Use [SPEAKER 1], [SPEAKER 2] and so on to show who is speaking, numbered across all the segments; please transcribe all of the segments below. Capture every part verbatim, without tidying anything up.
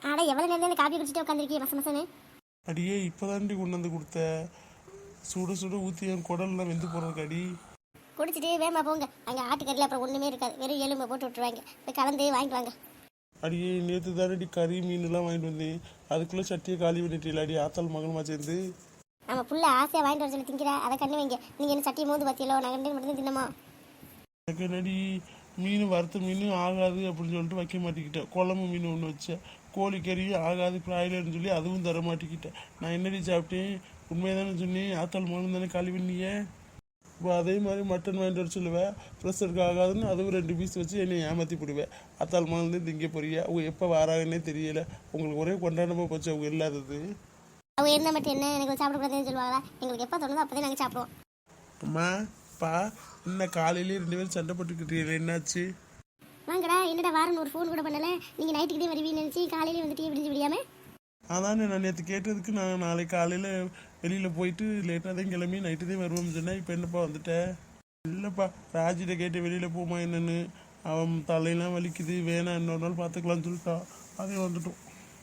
[SPEAKER 1] ஆட எவ்வளோ நேரம் இந்த காப்பி குடிச்சிட்டு உட்காந்துருக்கீங்க மச மசன்னு?
[SPEAKER 2] அடியே இப்போதாண்டி கொண்டு வந்து கொடுத்த சுட சுட ஊற்றி என் குடல்லாம் வெந்து போகிறதுக்கு அடி.
[SPEAKER 1] குடிச்சிட்டு வேமா போங்க, அங்கே ஆட்டுக்கறியில் அப்புறம் ஒன்றுமே இருக்காது, வெறும் எலும்பை போட்டு விட்டுருவாங்க. போய் கலந்து வாங்கிட்டு வாங்க.
[SPEAKER 2] அடியே நேற்று தானடி கறி மீன்லாம் வாங்கிட்டு வந்தேன், அதுக்குள்ளே சட்டியை காலி பண்ணிட்டீங்களா அடி ஆத்தாள் மகனுமா சேர்ந்து?
[SPEAKER 1] நம்ம புள்ள ஆசையாக வாங்கிட்டு வர சொல்லி திங்கிறா, அதை கண்ணு வைங்க. நீங்கள் என்ன சட்டியை மோந்து பார்த்தியலோ, நான் கண்டு மட்டும் தின்னமா?
[SPEAKER 2] எனக்கு என்னடி மீன் வறுத்த மீன் ஆகாது அப்படின்னு சொல்லிட்டு வைக்க மாட்டேங்கிட்டேன். குழம்பு மீன் ஒன்று வச்சேன், கோழிக்கறி ஆகாது பிராய்லர்னு சொல்லி அதுவும் தர மாட்டேங்கிட்டேன். நான் என்னடி சாப்பிட்டேன்? உண்மையை தானே சொன்னேன், ஆத்தாள் மகன் தானே காலி பண்ணியே. இப்போ அதே மாதிரி மட்டன் வாங்கிட்டு வர சொல்லுவேன், ப்ரெஷருக்கு ஆகாதுன்னு அதுவும் ரெண்டு பீஸ் வச்சு என்னை ஏமாற்றி போடுவேன். ஆத்தாள் மகன் திங்க போறிய, அவங்க எப்போ வராங்கன்னே தெரியல. உங்களுக்கு ஒரே கொண்டாடமாக போச்சு அவங்க இல்லாதது.
[SPEAKER 1] அவங்க இருந்தால் மட்டும் என்ன எனக்கு சாப்பிடக்கூடாதுன்னு சொல்லுவாங்களா? எங்களுக்கு எப்போ தோணுதோ அப்போ தான் நாங்கள் சாப்பிடுவோம்.
[SPEAKER 2] அம்மா பா என்ன காலையிலேயே ரெண்டு பேரும் சண்டை போட்டுக்கிட்டீங்க, என்னாச்சு?
[SPEAKER 1] வாங்கடா, என்னடா வாரன்னு ஒரு ஃபோன் கூட பண்ணலை. நீங்கள் நைட்டுக்கிட்டே வருவீங்கன்னு நினச்சி காலையிலே வந்துட்டு விடிஞ்சு விடியாமல்.
[SPEAKER 2] அதானே நான் நேற்று கேட்டதுக்கு நான் நாளைக்கு காலையில் வெளியில் போயிட்டு லேட்டாக தான் கிளம்பி நைட்டு தான் வருவோம்னு சொன்னேன். இப்போ என்னப்பா வந்துட்டேன்? இல்லைப்பா, ராஜிட்ட கேட்டு வெளியில் போமா என்னென்னு, அவன் தலையெல்லாம் வலிக்குது, வேணாம் இன்னொரு நாள் பார்த்துக்கலான்னு சொல்லிட்டா. அதே வந்துட்டோம்.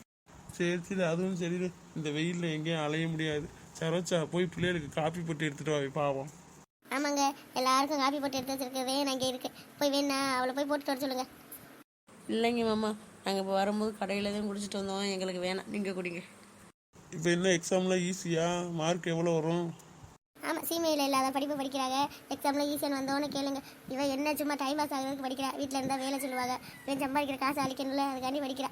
[SPEAKER 2] சரி சரி, அதுவும் சரி. இந்த வெயிலில் எங்கேயும் அலைய முடியாது. சரோச்சா போய் பிள்ளைகளுக்கு காப்பி போட்டு எடுத்துகிட்டு வா, பாவம்.
[SPEAKER 1] ஆமாங்க, எல்லாருக்கும் காப்பி போட்டு எடுத்து வச்சிருக்கவே அங்கே இருக்கு. போய் வேணா அவளை போய் போட்டுட்டு வர சொல்லுங்க.
[SPEAKER 3] இல்லைங்க மாமா, நாங்கள் இப்போ வரும்போது கடையில் தான் குடிச்சிட்டு வந்தோம், எங்களுக்கு வேணாம், நீங்கள் குடிங்க.
[SPEAKER 2] இப்போ என்ன எக்ஸாம்லாம் ஈஸியாக? மார்க் எவ்வளோ வரும்?
[SPEAKER 1] ஆமாம், சீமையில் இல்லாத படிப்பு படிக்கிறாங்க. எக்ஸாமில் ஈஸியாக வந்தோன்னு கேளுங்க. இவன் என்ன சும்மா டைம் பாஸ் ஆகிறதுக்கு படிக்கிறா, வீட்டில் இருந்தால் வேலை சொல்லுவாங்க, இவன் சம்பாதிக்கிற காசு அழிக்கணும்ல, அதுக்காண்டி படிக்கிறா.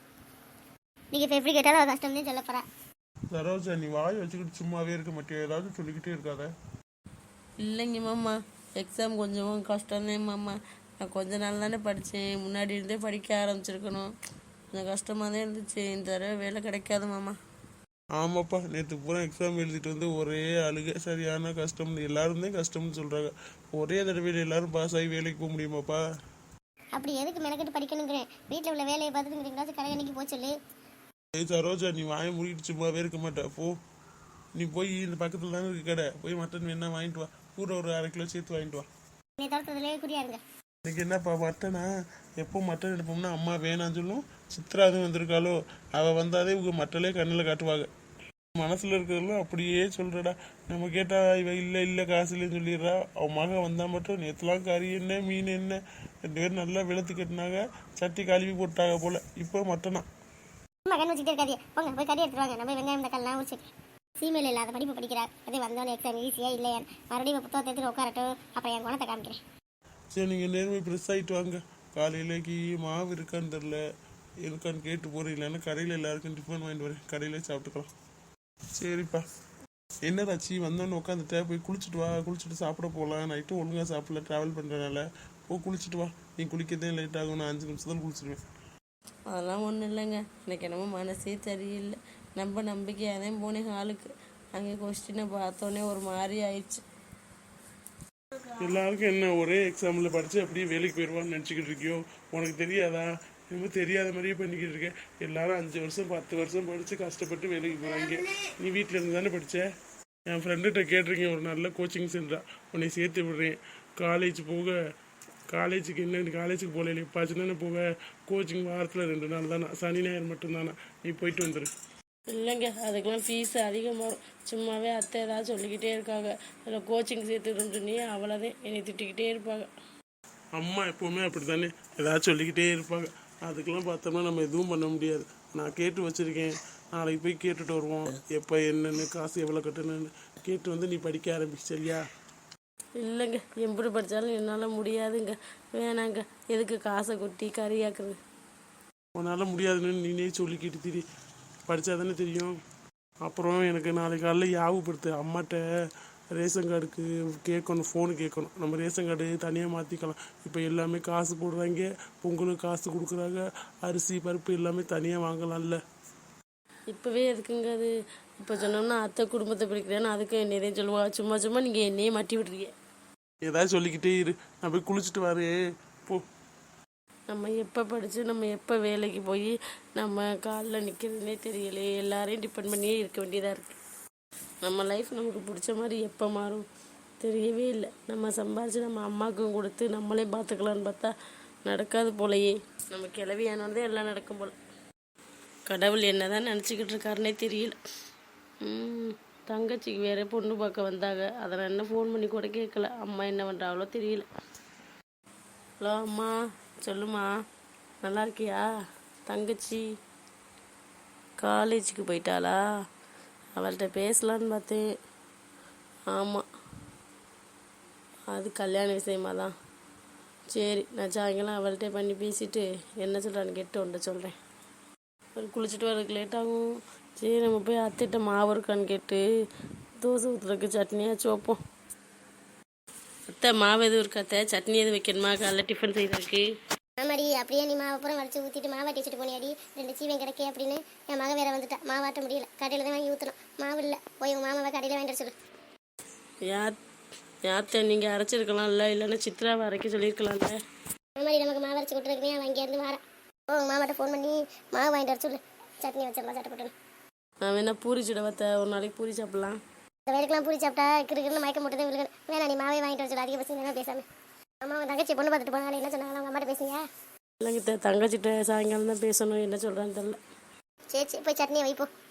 [SPEAKER 1] நீங்கள் இப்போ எப்படி கேட்டாலும் அவள் கஷ்டம் தான் சொல்ல போகிறா.
[SPEAKER 2] சரோஜா நீ வாய் வச்சுக்கிட்டு சும்மாவே இருக்க மாட்டியா, ஏதாவது சொல்லிக்கிட்டே இருக்காத.
[SPEAKER 3] இல்லைங்க மாமா, எக்ஸாம் கொஞ்சம் கஷ்டம்தான் மாமா. நான் கொஞ்ச நாள் தானே படித்தேன், முன்னாடி இருந்தே படிக்க ஆரம்பிச்சிருக்கணும். கொஞ்சம் கஷ்டமாக தான் இருந்துச்சு. இந்த தடவை வேலை கிடைக்காது மாமா.
[SPEAKER 2] ஆமாப்பா, நேற்று பூரா எக்ஸாம் எழுதிட்டு வந்து ஒரே அழுகை, சரியான கஷ்டம்னு எல்லாரும் தான் கஷ்டம்னு சொல்கிறாங்க. ஒரே தடவையில் எல்லாரும் பாஸ் ஆகி வேலைக்கு போக முடியுமாப்பா?
[SPEAKER 1] அப்படி எதுக்கு மெனக்கெட்டு படிக்கணுங்கிறேன், வீட்டில் உள்ள வேலையை பார்த்துட்டு எங்கேயாச்சும் கடையணிக்கு போச்சொல்லு.
[SPEAKER 2] ஏய் சரோஜா நீ வாயை மூடிட்டு சும்மாவே இருக்க மாட்டே, போ. நீ போய் இந்த பக்கத்தில் தானே இருக்கு கடை, போய் மட்டன் வேணா வாங்கிட்டு வா, கூட ஒரு அரை கிலோ சேர்த்து வாங்கிட்டு வா.
[SPEAKER 1] நீ தோட்டத்துலேயே குறியாருங்க.
[SPEAKER 2] இன்னைக்கு என்னப்பா மட்டனா? எப்போ மட்டன் எடுப்போம்னா அம்மா வேணான்னு சொல்லும். சித்ராதும் வந்திருக்காளோ, அவள் வந்தாதே இவங்க மட்டலே கண்ணில் காட்டுவாங்க. மனசில் இருக்கிறதெல்லாம் அப்படியே சொல்கிறடா. நம்ம கேட்டால் இவ இல்லை இல்லை காசு இல்லைன்னு சொல்லிடுறா. அவன் மகன் வந்தால் மட்டும் நேற்றுலாம் கறி என்ன மீன் என்ன ரெண்டு பேரும் நல்லா வெளுத்து கட்டினாங்க, சட்டி கழுவி போட்டாங்க போல். இப்போ மட்டனா?
[SPEAKER 1] மகன் வச்சுட்டே இருக்காதிய, போங்க போய் கறி எடுத்துருவாங்க. நம்ம வெங்காயம் தக்காளிலாம் வச்சு சீமையில் இல்லாத படிப்பு படிக்கிறார். அதே வந்தோடனே எக்ஸாம் ஈஸியாக இல்லையா, மறுபடியும் புத்தகத்தை எடுத்துட்டு உட்காரட்டும், அப்புறம் என் குணத்தை காமிக்கிறேன்.
[SPEAKER 2] சரி நீங்கள் நேர்மை ப்ரெஸ் ஆகிட்டு வாங்க. காலையிலேக்கு மாவு இருக்கான்னு தெரில, இருக்கான்னு கேட்டு போகிறேன். இல்லைன்னா கடையில் எல்லாருக்கும் டிஃபன் வாங்கிட்டு வரேன், கடையிலே சாப்பிட்டுக்கலாம். சரிப்பா. என்னதாச்சு வந்தோன்னு உட்காந்துட்டே, போய் குளிச்சுட்டு வா, குளிச்சுட்டு சாப்பிட போகலாம். நைட்டும் ஒழுங்காக சாப்பிடல, ட்ராவல் பண்ணுறதுனால. போய் குளிச்சுட்டு வா, நீ குளிக்கதே லேட் ஆகும், நான் அஞ்சு நிமிஷத்தில் குளிச்சிடுவேன்.
[SPEAKER 3] அதெல்லாம் ஒன்றும் இல்லைங்க, எனக்கு என்னமோ மனசே சரியில்லை. நம்ம நம்பிக்கையாக தான் போனேன் ஹாலுக்கு, அங்கே கொஸ்டினை பார்த்தோன்னே ஒரு மாதிரி ஆயிடுச்சு.
[SPEAKER 2] எல்லாருக்கும் என்ன ஒரே எக்ஸாமில் படித்து அப்படியே வேலைக்கு போயிடுவான்னு நினச்சிக்கிட்டு இருக்கியோ? உனக்கு தெரியாதா? இன்னும் தெரியாத மாதிரியே பண்ணிக்கிட்டு இருக்கேன். எல்லாரும் அஞ்சு வருஷம் பத்து வருஷம் படித்து கஷ்டப்பட்டு வேலைக்கு போகிறாங்க. நீ வீட்டில் இருந்து தானே படித்த? என் ஃப்ரெண்டுகிட்ட கேட்டிருக்கேன், ஒரு நல்ல கோச்சிங் சென்டரா உன்னை சேர்த்து விடுறேன். காலேஜ் போக, காலேஜுக்கு என்ன காலேஜுக்கு போகல எப்பாச்சுன்னு போக, கோச்சிங் வாரத்தில் ரெண்டு நாள் தானே, சனி ஞாயிறு மட்டும்தானே, நீ போயிட்டு வந்துடு.
[SPEAKER 3] இல்லைங்க, அதுக்கெல்லாம் ஃபீஸ் அதிகமாக வரும். சும்மாவே அத்தை ஏதாவது சொல்லிக்கிட்டே இருக்காங்க, அதில் கோச்சிங் சேர்த்துக்கிட்டு அவ்வளோதான் என்னை திட்டிக்கிட்டே இருப்பாங்க.
[SPEAKER 2] அம்மா எப்போவுமே அப்படி தானே, ஏதாவது சொல்லிக்கிட்டே இருப்பாங்க. அதுக்கெல்லாம் பார்த்தோம்னா நம்ம எதுவும் பண்ண முடியாது. நான் கேட்டு வச்சுருக்கேன், நாளைக்கு போய் கேட்டுட்டு வருவோம். எப்போ என்னென்னு காசு எவ்வளோ கட்டணுன்னு கேட்டு வந்து நீ படிக்க ஆரம்பிச்சு, சரியா?
[SPEAKER 3] இல்லைங்க, எப்படி படித்தாலும் என்னால் முடியாதுங்க, வேணாங்க. எதுக்கு காசை கொட்டி கறியாக்குறது?
[SPEAKER 2] உன்னால் முடியாதுன்னு நீனே சொல்லிக்கிட்டு திரி, படித்தா தானே தெரியும். அப்புறம் எனக்கு நாளைக்கு காலைல ஞாபகப்படுத்து, அம்மாட்ட ரேஷன் கார்டுக்கு கேட்கணும், ஃபோனு கேட்கணும். நம்ம ரேஷன் கார்டு தனியாக மாற்றிக்கலாம். இப்போ எல்லாமே காசு போடுறாங்க, பொங்கலுக்கு காசு கொடுக்குறாங்க, அரிசி பருப்பு எல்லாமே தனியாக வாங்கலாம்ல.
[SPEAKER 3] இப்போவே எதுக்குங்க அது? இப்போ சொன்னோம்னா அத்தை குடும்பத்தை பிடிக்கிறேன்னு அதுக்கு என்னையே சொல்லுவா. சும்மா சும்மா நீங்கள் என்னையே மாட்டி விட்றீங்க.
[SPEAKER 2] ஏதாவது சொல்லிக்கிட்டே இரு, நான் போய் குளிச்சுட்டு வரேன், போ.
[SPEAKER 3] நம்ம எப்போ படித்து நம்ம எப்போ வேலைக்கு போய் நம்ம காலில் நிற்கிறதுனே தெரியலையே. எல்லாரையும் டிபெண்ட் பண்ணியே இருக்க வேண்டியதாக இருக்குது. நம்ம லைஃப் நமக்கு பிடிச்ச மாதிரி எப்போ மாறும் தெரியவே இல்லை. நம்ம சம்பாரித்து நம்ம அம்மாவுக்கும் கொடுத்து நம்மளே பார்த்துக்கலான்னு பார்த்தா நடக்காது போலையே. நம்ம கிளவியானோடதே எல்லாம் நடக்கும் போல். கடவுள் என்ன தான் நினச்சிக்கிட்டு இருக்காருன்னே தெரியல. ம், தங்கச்சிக்கு வேற பொண்ணு பார்க்க வந்தாங்க. அதை நான் என்ன ஃபோன் பண்ணி கூட கேட்கல. அம்மா என்ன பண்ணுறாங்களோ தெரியல. ஹலோ அம்மா, சொல்லுமா, நல்லா இருக்கியா? தங்கச்சி காலேஜுக்கு போயிட்டாளா? அவள்கிட்ட பேசலான்னு பார்த்தேன். ஆமாம், அது கல்யாண விஷயமா தான். சரி, நான் சாயங்காலம் அவள்கிட்ட பண்ணி பேசிட்டு என்ன சொல்கிறான்னு கேட்டு ஒன்று சொல்கிறேன். அவர் குளிச்சுட்டு வரதுக்கு லேட் ஆகும். சரி, நம்ம போய் அத்தைட்ட மாவு இருக்கான்னு கேட்டு தோசை ஊற்றுறதுக்கு சட்னியாச்சும் வைப்போம். அத்தை, மாவு எதுவும் இருக்கா அத்தை? சட்னி எதுவும் வைக்கணுமா காலைல டிஃபன் செய்யறதுக்கு?
[SPEAKER 1] ஆமாடி, அப்படியே நீ மாவு அப்புறம் வரைச்சி ஊற்றிட்டு மாவாட்டி வச்சுட்டு போனியாடி. ரெண்டு சீவன் கிடைக்கே அப்படின்னு என் மகன் வேற வந்துட்டா. மாவாட்ட முடியல, கடையில் தான் வாங்கி ஊற்றணும். மாவு இல்லை, போய் உங்கள் மாமாவை கடையில் வாங்கிட்டு சொல்லு.
[SPEAKER 3] யார் யார்த்த நீங்கள் அரைச்சிருக்கலாம்ல, இல்லைன்னா சித்ராவை அரைக்க சொல்லியிருக்கலாம்ல.
[SPEAKER 1] ஆமாடி, நமக்கு மாவு அரைச்சி கொடுத்துருக்குமே, அவன் அங்கேருந்து வரேன். ஓ, உங்கள் மாமாட்ட ஃபோன் பண்ணி மாவு வாங்கிட்டு வர சொல்லு. சட்னி வச்சிடலாம், சட்டப்பட்டு.
[SPEAKER 3] நான் வேணா பூரி சுட வத்த, ஒரு நாளைக்கு பூரி சாப்பிட்லாம்.
[SPEAKER 1] இந்த வேலைக்கெல்லாம் பூரி சாப்பிட்டா கிருக்குன்னு மயக்கம் மட்டும் தான் விழுகணும். வேணா நீ மாவே வாங்கிட்டு வர சொல்லு. அதிக பசி என்ன பேசாமல். அம்மா உன் தங்கச்சி பொண்ணு பார்த்துட்டு போனாலும் என்ன சொன்னாங்க? அவங்க அம்மாட்ட பேசுங்க.
[SPEAKER 3] இல்லைங்க, தங்கச்சிட்ட சாயங்காலம் தான் பேசணும். என்ன சொல்கிறான்னு தெரில.
[SPEAKER 1] சரி சரி, போய் சட்னியை வைப்போம்.